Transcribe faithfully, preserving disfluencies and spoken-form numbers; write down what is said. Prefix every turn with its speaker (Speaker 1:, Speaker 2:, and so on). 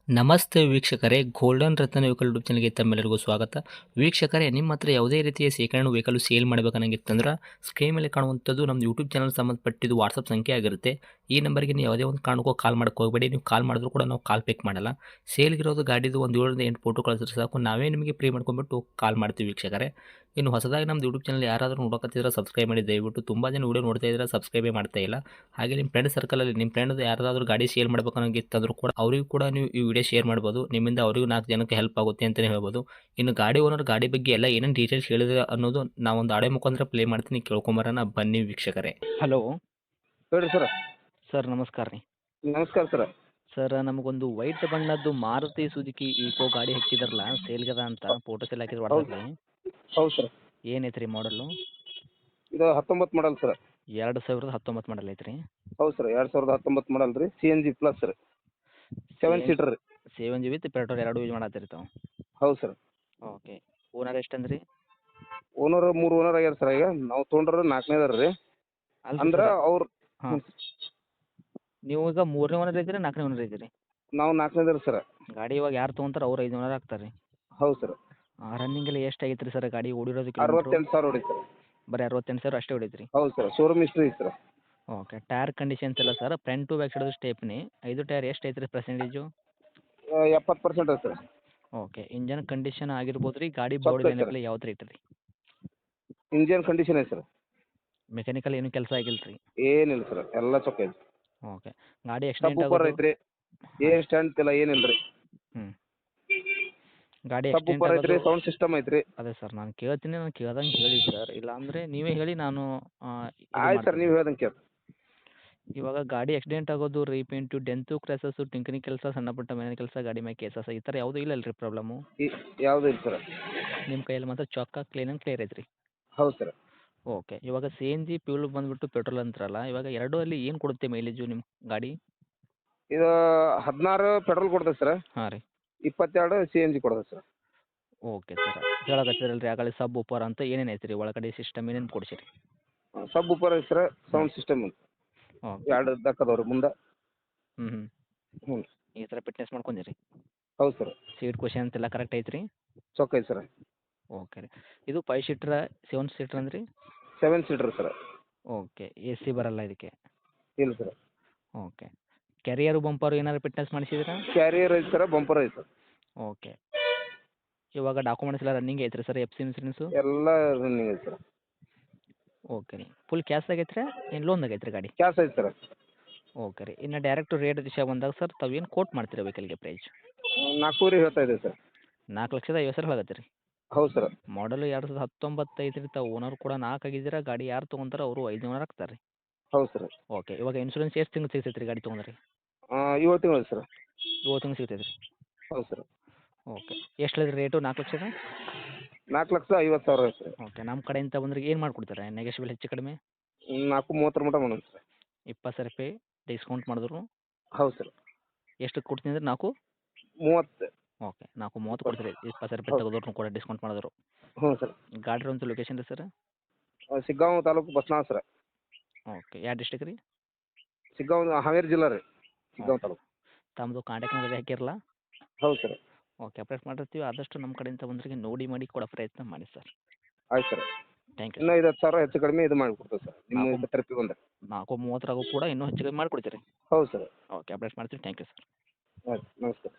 Speaker 1: ನಮಸ್ತೆ ವೀಕ್ಷಕರೇ, ಗೋಲ್ಡನ್ ರತ್ನ vehicle YouTube ಚಾನಲ್ಗೆ ತಮ್ಮೆಲ್ಲರಿಗೂ ಸ್ವಾಗತ. ವೀಕ್ಷಕರೇ, ನಿಮ್ಮ ಹತ್ರ ಯಾವುದೇ ರೀತಿಯ ಶೇಖರಣೆ ವೆಹಿಕಲ್ ಸೇಲ್ ಮಾಡಬೇಕನ್ನಂಗಿತ್ತಂದ್ರೆ ಸ್ಕ್ರೀನ್ ಮೇಲೆ ಕಾಣುವಂಥದ್ದು ನಮ್ಮ ಯೂಟ್ಯೂಬ್ ಚಾನಲ್ ಸಂಬಂಧಪಟ್ಟಿದ್ದು ವಾಟ್ಸಪ್ ಸಂಖ್ಯೆ ಆಗಿರುತ್ತೆ. ಈ ನಂಬರ್ಗೆ ನೀವು ಯಾವುದೇ ಒಂದು ಕಾರಣಕ್ಕೂ ಕಾಲ್ ಮಾಡಕ್ಕೆ ಹೋಗಬೇಡಿ. ನೀವು ಕಾಲ್ ಮಾಡಿದ್ರು ಕೂಡ ನಾವು ಕಾಲ್ ಪಿಕ್ ಮಾಡಲ್ಲ. ಸೇಲ್ಗಿರೋದು ಗಾಡಿದು ಒಂದು ಏಳರಿಂದ ಎಂಟು ಫೋಟೋ ಕಳಿಸಿದ್ರೆ ಸಾಕು, ನಾವೇ ನಿಮಗೆ ಪ್ರೀ ಮಾಡ್ಕೊಂಡ್ಬಿಟ್ಟು ಕಾಲ್ ಮಾಡ್ತೀವಿ ವೀಕ್ಷಕರೇ. ಇನ್ನು ಹೊಸದಾಗಿ ನಮ್ಮದು ಯೂಟ್ಯೂಬ್ ಚಾನಲ್ ಯಾರಾದರೂ ನೋಡೋಕತ್ತಿದ್ರೆ ಸಬ್ಸ್ಕ್ರೈಬ್ ಮಾಡಿ ದಯವಿಟ್ಟು. ತುಂಬ ಜನ ವೀಡಿಯೋ ನೋಡ್ತಾ ಇದ್ದಾರೆ, ಸಬ್ಸ್ಕ್ರೈಬೇ ಮಾಡ್ತಾ ಇಲ್ಲ. ಹಾಗೆ ನಿಮ್ಮ ಫ್ರೆಂಡ್ ಸರ್ಕಲಲ್ಲಿ ನಿಮ್ಮ ಫ್ರೆಂಡ್ ಯಾರಾದರೂ ಗಾಡಿ ಸೇಲ್ ಮಾಡಬೇಕನ್ನೋಂಗಿತ್ತಂದ್ರೂ ಕೂಡ ಅವರಿಗೂ ಕೂಡ ನೀವು ಈ ವಿಡಿಯೋ ಶೇರ್ ಮಾಡ್ಬೋದು. ನಿಮ್ಮಿಂದ ಅವರಿಗೂ ನಾಲ್ಕು ಜನಕ್ಕೆ ಹೆಲ್ಪ್ ಆಗುತ್ತೆ ಅಂತಲೇ ಹೇಳ್ಬೋದು. ಇನ್ನು ಗಾಡಿ ಓನರ್ ಗಾಡಿ ಬಗ್ಗೆ ಎಲ್ಲ ಏನೇನು ಡೀಟೇಲ್ಸ್ ಹೇಳಿದ್ರೆ ಅನ್ನೋದು ನಾವೊಂದು ಆಡೆ ಮುಖಾಂತರ ಪ್ಲೇ ಮಾಡ್ತೀನಿ, ಕೇಳ್ಕೊಂಬರೋಣ ಬನ್ನಿ ವೀಕ್ಷಕರೇ. ಹಲೋ
Speaker 2: ಹೇಳ್ರಿ ಸರ.
Speaker 1: ಸರ್, ನಮಸ್ಕಾರ ರೀ.
Speaker 2: ನಮಸ್ಕಾರ ಸರ.
Speaker 1: ಸರ್, ನಮಗೊಂದು ವೈಟ್ ಬಣ್ಣದ್ದು ಮಾರುತಿ ಸುಜುಕಿ ಈಕೋ ಗಾಡಿ ಹಾಕಿದಾರಲ್ಲ ಸೇಲ್ಗದ ಅಂತ ಫೋಟೋಸ್ ಎಲ್ಲ ಹಾಕಿದ್ರು
Speaker 2: ಹೌದು
Speaker 1: ವಾಟ್ಸಪ್ಪಲ್ಲಿ.
Speaker 2: ಹೌದು ಸರ್.
Speaker 1: ಏನೈತೆ ರೀ ಮಾಡಲು?
Speaker 2: ಇದು ಹತ್ತೊಂಬತ್ತು ಮಾಡಲ್ ಸರ್.
Speaker 1: ಎರಡು ಸಾವಿರದ ಹತ್ತೊಂಬತ್ತು ಮಾಡಲ್ ಐತ್ರಿ.
Speaker 2: ಹೌದು ಸರ್, ಎರಡು ಸಾವಿರದ ಹತ್ತೊಂಬತ್ತು ಮಾಡಲ್ ರೀ. C N G plus sir. Seven seater ರೀ.
Speaker 1: ಸೆವೆನ್ ಜಿ ವಿತ್ ಪೆಟ್ರೋಲ್ ಎರಡು ಯೂಸ್ ಮಾಡತ್ತೀರಿ ತಾವು?
Speaker 2: ಹೌದು ಸರ್.
Speaker 1: ಓಕೆ. ಓನರ್ ಎಷ್ಟಂದ್ರಿ?
Speaker 2: ಓನರ್ ಮೂರು ಓನರ್ ಆಗ್ಯಾರ ಸರ್. ಈಗ ನಾವು ತೊಗೊಂಡ್ರ ನಾಲ್ಕನೇದಾರ ರೀ.
Speaker 1: ಅಲ್ರಿ
Speaker 2: ಅಂದ್ರೆ
Speaker 1: ಸರ್,
Speaker 2: ಅವ್ರು
Speaker 1: ಹಾಂ, ನೀವು ಈಗ ಮೂರನೇ ಓನರ್ ಇದ್ದೀರಿ ನಾಲ್ಕನೇ ಓನರ್ ಇದ್ದೀರಿ?
Speaker 2: ನಾವು ನಾಲ್ಕನೇದಾರ ಸರ್.
Speaker 1: ಗಾಡಿ ಇವಾಗ ಯಾರು ತೊಗೊಂತಾರೆ ಅವ್ರು ಐದು ಓನರ್ ಆಗ್ತಾರೆ ರೀ.
Speaker 2: ಹೌದು ಸರ್.
Speaker 1: ರನ್ನಿಂಗ್ ಎಲ್ಲ ಎಷ್ಟು ಆಗೈತೆ ರೀ ಸರ್ ಗಾಡಿ ಓಡಿರೋದು ಕಿಲೋಮೀಟ್ರು?
Speaker 2: ಅರವತ್ತೆಂಟು ಸಾವಿರ ಹೊಡಿ ಸರ್.
Speaker 1: ಬರೀ ಅರವತ್ತೆಂಟು ಸಾವಿರ ಅಷ್ಟೇ ಹೊಡೈತ್ರಿ?
Speaker 2: ಹೌದು sir. Showroom history sir.
Speaker 1: Okay. Tyre conditions ಎಲ್ಲ sir front to back side stepney ಐದು ಟೈರ್ ಎಷ್ಟು ಐತೆ ರೀ ಪರ್ಸೆಂಟೇಜು?
Speaker 2: ಎಪ್ಪತ್ತು percent sir.
Speaker 1: Okay. Engine condition ಆಗಿರ್ಬೋದು ರೀ, ಗಾಡಿ
Speaker 2: ಚೊಕ್ಕ
Speaker 1: ಬಾಡಿ
Speaker 2: ಐತೆ
Speaker 1: ಲೈನಪ್ಲೆ ಯಾವ ಥರ ಐತೆ ರೀ?
Speaker 2: ಇಂಜಿನ್ ಕಂಡೀಷನ್ ಐತೆ ಸರ್.
Speaker 1: ಮೆಕ್ಯಾನಿಕಲ್ ಏನು ಕೆಲಸ ಆಗಿಲ್ಲ ರೀ?
Speaker 2: ಏನಿಲ್ಲ ಸರ್, ಎಲ್ಲ ಚೊಕ್ಕ ಐತೆ.
Speaker 1: ಓಕೆ. ಗಾಡಿ
Speaker 2: ಸಬ್
Speaker 1: ಆಕ್ಸಿಡೆಂಟ್
Speaker 2: ಉಪ್ಪರ್
Speaker 1: ಆಗೋದು?
Speaker 2: ಐತ್ರಿ. ಏನು ಸ್ಟ್ಯಾಂಡ್ ಇಲ್ಲ, ಏನಿಲ್ಲ ರೀ.
Speaker 1: ಹ್ಞೂ. ಗಾಡಿ
Speaker 2: ಸಬ್
Speaker 1: ಆಕ್ಸಿಡೆಂಟ್
Speaker 2: ಉಪ್ಪರ್ ಐತ್ರಿ,
Speaker 1: ಆಗೋದು?
Speaker 2: ಸೌಂಡ್ ಸಿಸ್ಟಮ್ ಐತ್ರಿ.
Speaker 1: ಅದೇ ಸರ್, ನಾನು ಕೇಳ್ತೀನಿ, ನಾನು ಕೇಳ್ದಂಗೆ ಹೇಳಿ ಸರ್. ಇಲ್ಲ ಅಂದರೆ ನೀವೇ ಹೇಳಿ, ನಾನು ಆ, ಇದು
Speaker 2: ಆಯ್ತು ಸರ್,
Speaker 1: ಮಾಡ್ತೀನಿ.
Speaker 2: ನೀವು ಹೇಳ್ದಂಗೆ ಕೇಳಿ.
Speaker 1: ಇವಾಗ ಗಾಡಿ ಆಕ್ಸಿಡೆಂಟ್ ಆಗೋದು, ರೀಪೇಂಟು, ಡೆಂತು, ಕ್ರ್ಯಾಸಸ್ಸು, ಟಿಂಕರಿಂಗ್ ಕೆಲಸ, ಸಣ್ಣ ಪುಟ್ಟ ಮನೆ ಕೆಲಸ, ಗಾಡಿ ಮೇಲೆ ಕೇಸಸ್ ಈ ಥರ ಯಾವುದೂ ಇಲ್ಲ ಅಲ್ರಿ ಪ್ರಾಬ್ಲಮ್ಮು?
Speaker 2: ಯಾವುದೂ ಇಲ್ಲ ಸರ್.
Speaker 1: ನಿಮ್ಮ ಕೈಯಲ್ಲಿ ಮಾತ್ರ ಚೊಕ್ಕ ಕ್ಲೀನ್ ಆ್ಯಂಡ್ ಕ್ಲಿಯರ್ ಐತ್ರಿ?
Speaker 2: ಹೌದು ಸರ್.
Speaker 1: ಓಕೆ. ಇವಾಗ ಸಿ ಎನ್ ಜಿ ಫ್ಯೂಲ್ ಬಂದುಬಿಟ್ಟು ಪೆಟ್ರೋಲ್ ಅಂತಾರಲ್ಲ, ಇವಾಗ ಎರಡೂ ಅಲ್ಲಿ ಏನು ಕೊಡುತ್ತೆ ಮೈಲೇಜು ನಿಮ್ಮ ಗಾಡಿ?
Speaker 2: ಇದು ಹದಿನಾರು ಪೆಟ್ರೋಲ್ ಕೊಡ್ತದೆ ಸರ್.
Speaker 1: ಹಾಂ ರೀ.
Speaker 2: ಇಪ್ಪತ್ತೆರಡು ಸಿ ಎನ್ ಜಿ ಕೊಡ್ತದೆ ಸರ್.
Speaker 1: Okay sir. ಹೇಳಕತ್ತಿರಲ್ಲ ರೀ ಆಗಲೇ ಸಬ್ ಉಪ್ಪರ್ ಅಂತ ಏನೇನು ಐತೆ ರೀ ಒಳಗಡೆ ಸಿಸ್ಟಮ್ ಏನೇನು ಕೊಡಿಸಿರಿ?
Speaker 2: ಸಬ್ ಉಪ್ಪರ್ ಐತೆ ಸರ್. ಸೌಂಡ್ ಸಿಸ್ಟಮ್ ಅಂತ
Speaker 1: ಓಕೆ.
Speaker 2: ಎರಡು ದಕ್ಕದವ್ರಿ ಮುಂದೆ.
Speaker 1: ಹ್ಞೂ ಹ್ಞೂ.
Speaker 2: ಹ್ಞೂ.
Speaker 1: ಈ ಥರ ಫಿಟ್ನೆಸ್ ಮಾಡ್ಕೊಂಡಿರಿ?
Speaker 2: ಹೌದು ಸರ್.
Speaker 1: ಸೀಟ್ ಕ್ವಶನ್ ಅಂತೆಲ್ಲ ಕರೆಕ್ಟ್ ಐತೆ ರೀ?
Speaker 2: ಚೊಕ್ಕ ಐತೆ ಸರ್.
Speaker 1: ಓಕೆ ರೀ. ಇದು ಫೈವ್ ಸೀಟ್ರ ಸೆವೆನ್ ಸೀಟ್ರ್ ಅಂದ್ರಿ?
Speaker 2: Seven seater sir.
Speaker 1: Okay. A C ಬರಲ್ಲ ಇದಕ್ಕೆ?
Speaker 2: ಇಲ್ಲ ಸರ್.
Speaker 1: ಓಕೆ. ಕ್ಯಾರಿಯರು ಬಂಪರು ಏನಾದ್ರು ಫಿಟ್ನೆಸ್ ಮಾಡಿಸಿದ್ರಾ?
Speaker 2: ಕ್ಯಾರಿಯರ್ ಐತೆ ಸರ್, ಬಂಪರ್ ಐತೆ ಸರ್.
Speaker 1: ಓಕೆ. ಇವಾಗ ಡಾಕ್ಯುಮೆಂಟ್ಸ್ ಎಲ್ಲ ರನ್ನಿಂಗ್ ಐತ್ರಿ ಸರ್? F C insurance?
Speaker 2: ಎಲ್ಲ ರನ್ನಿಂಗ್ ಐತೆ ಸರ್.
Speaker 1: ಓಕೆ ರೀ. ಫುಲ್ ಕ್ಯಾಶ್ದಾಗ ಐತ್ರಿ ಏನು ಲೋನ್ದಾಗ ಐತ್ರಿ ಗಾಡಿ?
Speaker 2: ಕ್ಯಾಶ್ ಐತೆ ಸರ್.
Speaker 1: ಓಕೆ ರೀ. ಇನ್ನು ಡೈರೆಕ್ಟ್ ರೇಟ್ ವಿಷಯ ಬಂದಾಗ ಸರ್ ತಾವು ಏನು ಕೋಟ್ ಮಾಡ್ತೀರಾ ವೆಹಿಕಲ್ಗೆ ಪ್ರೈಸ್?
Speaker 2: ನಾಲ್ಕೂವರೆ ಹೇಳ್ತಾ ಇದೆ ಸರ್.
Speaker 1: ನಾಲ್ಕು ಲಕ್ಷದ ಐವತ್ತು ಸಾವಿರ ಹೇಳಕತ್ತೀರಿ?
Speaker 2: ಹೌದು ಸರ್.
Speaker 1: ಮಾಡಲು ಎರಡು ಸಾವಿರದ ಹತ್ತೊಂಬತ್ತು ಐತ್ರಿ. ತಾವು ಓನರ್ ಕೂಡ ನಾಲ್ಕು ಆಗಿದ್ದೀರಾ. ಗಾಡಿ ಯಾರು ತೊಗೊಂತಾರೋ ಅವರು ಐದು ಓನರ್ ಆಗ್ತಾರೆ ರೀ?
Speaker 2: ಹೌದು ಸರ್.
Speaker 1: ಓಕೆ. ಇವಾಗ ಇನ್ಸೂರೆನ್ಸ್ ಎಷ್ಟು ತಿಂಗ್ಳು ಸಿಗ್ತೈತೆ ರೀ ಗಾಡಿ ತೊಗೊಂಡ್ರೆ?
Speaker 2: ಏಳು ತಿಂಗಳು ಸರ್.
Speaker 1: ಏಳು ತಿಂಗ್ಳು ಸಿಗ್ತೈತೆ ರೀ?
Speaker 2: ಹೌದು ಸರ್.
Speaker 1: ಓಕೆ. ಎಷ್ಟು ಹೇಳಿದ್ರಿ ರೇಟು? ನಾಲ್ಕು ಲಕ್ಷದ
Speaker 2: ನಾಲ್ಕು ಲಕ್ಷ ಐವತ್ತು ಸಾವಿರ ಐತೆ ಸರ್.
Speaker 1: ಓಕೆ. ನಮ್ಮ ಕಡೆಯಿಂದ ಬಂದ್ರೆ ಏನು ಮಾಡಿಕೊಡ್ತಾರೆ ನೆಗೆಶ್ಬಲ್ ಹೆಚ್ಚು ಕಡಿಮೆ?
Speaker 2: ನಾಲ್ಕು ಮೂವತ್ತರ ಮಟ್ಟ ಮಾಡೋಣ ಸರ್.
Speaker 1: ಇಪ್ಪತ್ತು ಸಾವಿರ ರೂಪಾಯಿ ಡಿಸ್ಕೌಂಟ್ ಮಾಡಿದ್ರು?
Speaker 2: ಹೌದು ಸರ್.
Speaker 1: ಎಷ್ಟು ಕೊಡ್ತೀನಿ ಅಂದ್ರೆ ನಾಲ್ಕು
Speaker 2: ಮೂವತ್ತು.
Speaker 1: ಓಕೆ. ನಾಲ್ಕು ಮೂವತ್ತು ಕೊಡ್ತೀರಿ, ಇಪ್ಪತ್ತು ಸಾವಿರ ರೂಪಾಯಿ
Speaker 2: ಹೌದು.
Speaker 1: ತೆಗೆದ್ರು ಕೂಡ ಡಿಸ್ಕೌಂಟ್ ಮಾಡಿದ್ರು?
Speaker 2: ಹ್ಞೂ ಸರ್.
Speaker 1: ಗಾಡಿ ಇರುವಂಥ ಲೊಕೇಶನ್ ರೀ sir?
Speaker 2: Shiggaon taluk Basnal sir.
Speaker 1: Okay. ಯಾವ ಡಿಸ್ಟಿಕ್ ರೀ?
Speaker 2: ಸಿಗ್ಗಾಂವ್ ಹಾವೇರಿ ಜಿಲ್ಲಾ ರೀ. ಸಿಗ್ಗಾಂವ್ ತಾಲೂಕು.
Speaker 1: ತಮ್ಮದು ಕಾಂಟ್ಯಾಕ್ಟ್ ನಂಬರ್ ಹಾಕಿರಲ್ಲ?
Speaker 2: ಹೌದು ಸರ್.
Speaker 1: ಓಕೆ. ಅಪ್ಡೇಟ್ ಮಾಡಿರ್ತೀವಿ. ಆದಷ್ಟು ನಮ್ಮ ಕಡೆಯಿಂದ ಬಂದ್ರಿಗೆ ನೋಡಿ ಮಾಡಿ ಕೊಡೋ ಪ್ರಯತ್ನ ಮಾಡಿ ಸರ್.
Speaker 2: ಆಯ್ತು ಸರ್.
Speaker 1: ಥ್ಯಾಂಕ್ ಯು
Speaker 2: ಇನ್ನೂ
Speaker 1: ಸರ್.
Speaker 2: ಐದು ಹತ್ತು ಸಾವಿರ ಹೆಚ್ಚು ಕಡಿಮೆ ಇದು ಮಾಡಿಕೊಡ್ತೇವೆ ಸರ್ ನಿಮ್ಮ
Speaker 1: ನಾಲ್ಕು
Speaker 2: ಇದು ಟ್ರಿಪ್ಪಿಗೆ ಬಂದರೆ.
Speaker 1: ನಾಲ್ಕು ಮೂವತ್ತರಾಗೂ ಕೂಡ ಇನ್ನೂ ಹೆಚ್ಚು ಕಮ್ಮಿ ಮಾಡಿಕೊಡ್ತೀರಿ?
Speaker 2: ಹೌದು ಸರ್.
Speaker 1: ಓಕೆ. ಅಪ್ಡೇಟ್ ಮಾಡ್ತೀವಿ. Thank you sir.
Speaker 2: ಆಯ್ತು, ನಮಸ್ಕಾರ.